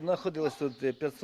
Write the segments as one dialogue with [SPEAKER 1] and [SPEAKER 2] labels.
[SPEAKER 1] Знаходилось тут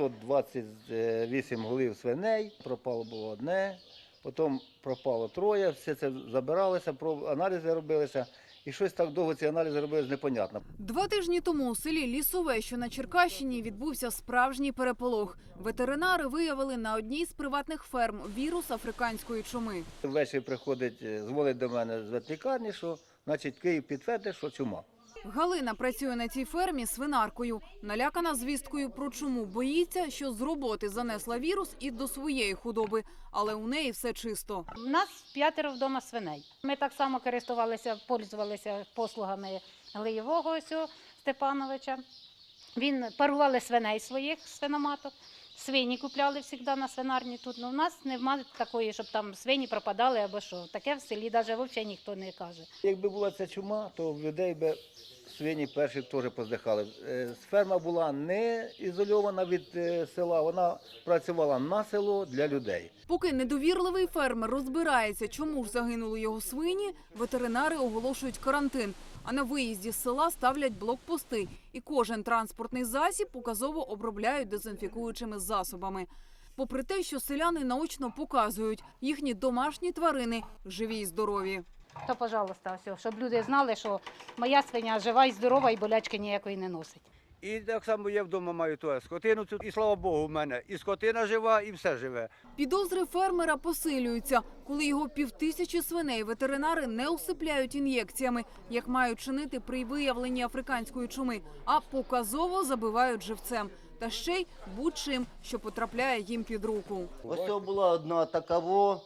[SPEAKER 1] 528 голів свиней, пропало було одне, потім пропало троє, все це забиралося, аналізи робилися. І щось так довго ці аналізи робилися, непонятно.
[SPEAKER 2] 2 тижні тому у селі Лісове, що на Черкащині, відбувся справжній переполох. Ветеринари виявили на одній з приватних ферм вірус африканської чуми.
[SPEAKER 1] Ввечері приходить, дзвонить до мене з ветлікарні, що значить Київ підтвердив, що чума.
[SPEAKER 2] Галина працює на цій фермі свинаркою. Налякана звісткою про чуму, боїться, що з роботи занесла вірус і до своєї худоби. Але у неї все чисто.
[SPEAKER 3] У нас 5 вдома свиней. Ми так само пользувалися послугами Глиєвого Степановича. Він парували свиней своїх свиноматок. Свині купляли завжди на свинарні тут. У нас немає такої, щоб там свині пропадали або що. Таке в селі навіть взагалі ніхто не каже.
[SPEAKER 1] Якби була ця чума, то в людей би свині перші теж поздихали. Ферма була не ізольована від села, вона працювала на село для людей.
[SPEAKER 2] Поки недовірливий фермер розбирається, чому ж загинули його свині, ветеринари оголошують карантин. А на виїзді з села ставлять блокпости. І кожен транспортний засіб показово обробляють дезінфікуючими засобами. Попри те, що селяни наочно показують, їхні домашні тварини живі й здорові.
[SPEAKER 3] То, пожалуйста, все, щоб люди знали, що моя свиня жива і здорова, і болячки ніякої не носить.
[SPEAKER 4] І так само я вдома маю ту скотину, і слава Богу, в мене і скотина жива, і все живе.
[SPEAKER 2] Підозри фермера посилюються. Коли його 5000 свиней ветеринари не усипляють ін'єкціями, як мають чинити при виявленні африканської чуми, а показово забивають живцем. Та ще й будь-чим, що потрапляє їм під руку.
[SPEAKER 5] Ось це була одна такаво,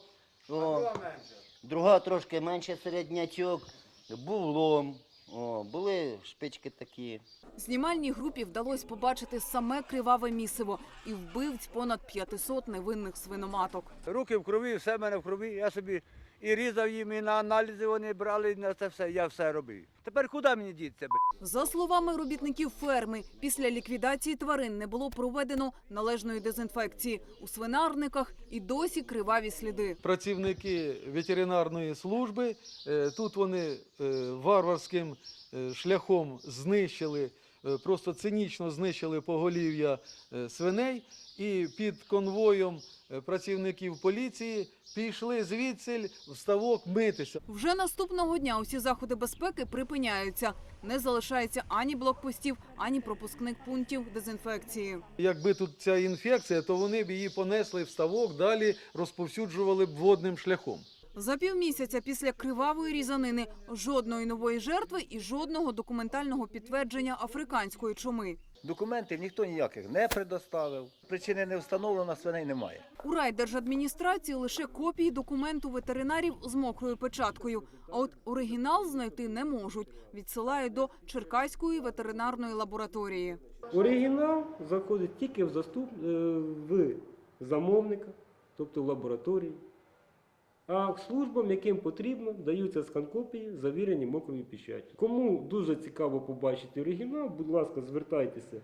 [SPEAKER 5] друга трошки менше середнячок, був лом, були шпички такі.
[SPEAKER 2] Знімальній групі вдалося побачити саме криваве місиво і вбивць понад 500 невинних свиноматок.
[SPEAKER 4] Руки в крові, все в мене в крові, я собі і різав їм, і на аналізи вони брали, і на це все, я все робив. Тепер куди мені діться,
[SPEAKER 2] За словами робітників ферми, після ліквідації тварин не було проведено належної дезінфекції. У свинарниках і досі криваві сліди.
[SPEAKER 6] Працівники ветеринарної служби, тут вони варварським шляхом знищили, просто цинічно знищили поголів'я свиней і під конвоєм працівників поліції пішли звідси в ставок митися.
[SPEAKER 2] Вже наступного дня усі заходи безпеки припиняються. Не залишається ані блокпостів, ані пропускних пунктів дезінфекції.
[SPEAKER 6] Якби тут ця інфекція, то вони б її понесли в ставок, далі розповсюджували б водним шляхом.
[SPEAKER 2] За півмісяця після кривавої різанини жодної нової жертви і жодного документального підтвердження африканської чуми.
[SPEAKER 1] Документів ніхто ніяких не предоставив. Причини не встановлено, свиней немає.
[SPEAKER 2] У райдержадміністрації лише копії документу ветеринарів з мокрою печаткою. А от оригінал знайти не можуть. Відсилають до Черкаської ветеринарної лабораторії.
[SPEAKER 7] Оригінал заходить тільки в замовника, тобто в лабораторії. А службам, яким потрібно, даються скан-копії, завірені мокрою печаттю. Кому дуже цікаво побачити оригінал, будь ласка, звертайтеся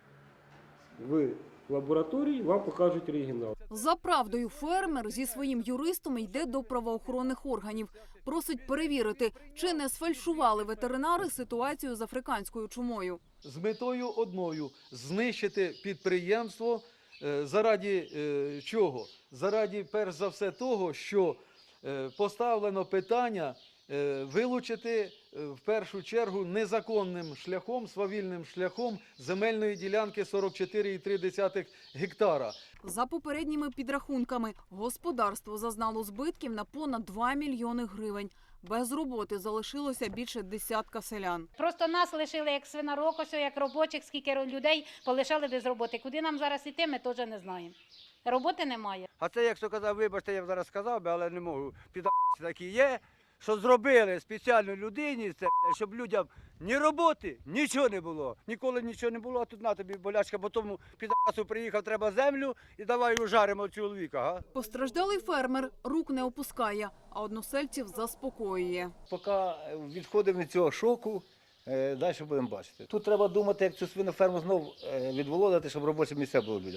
[SPEAKER 7] в лабораторію, вам покажуть оригінал.
[SPEAKER 2] За правдою фермер зі своїм юристом йде до правоохоронних органів. Просить перевірити, чи не сфальшували ветеринари ситуацію з африканською чумою.
[SPEAKER 6] З метою одною – знищити підприємство. Заради чого? Заради, перш за все, того, що поставлено питання вилучити в першу чергу незаконним шляхом, свавільним шляхом земельної ділянки 44,3 гектара.
[SPEAKER 2] За попередніми підрахунками, господарство зазнало збитків на понад 2 мільйони гривень. Без роботи залишилося більше десятка селян.
[SPEAKER 3] Просто нас лишили як свинарок, ось як робочих, скільки людей полишали без роботи. Куди нам зараз йти, ми теж не знаємо. Роботи немає.
[SPEAKER 4] А це, як хто казав, вибачте, я б зараз сказав би, але не можу. Піда**ці такі є, що зробили спеціально людині, це, щоб людям ні роботи, нічого не було. Ніколи нічого не було, а тут на тобі болячка, бо тому піда**цу приїхав, треба землю і давай ужаримо чоловіка. Га?
[SPEAKER 2] Постраждалий фермер рук не опускає, а односельців заспокоює.
[SPEAKER 1] Поки відходимо від цього шоку, далі будемо бачити. Тут треба думати, як цю свиноферму знов відволодити, щоб робочі місця були людям.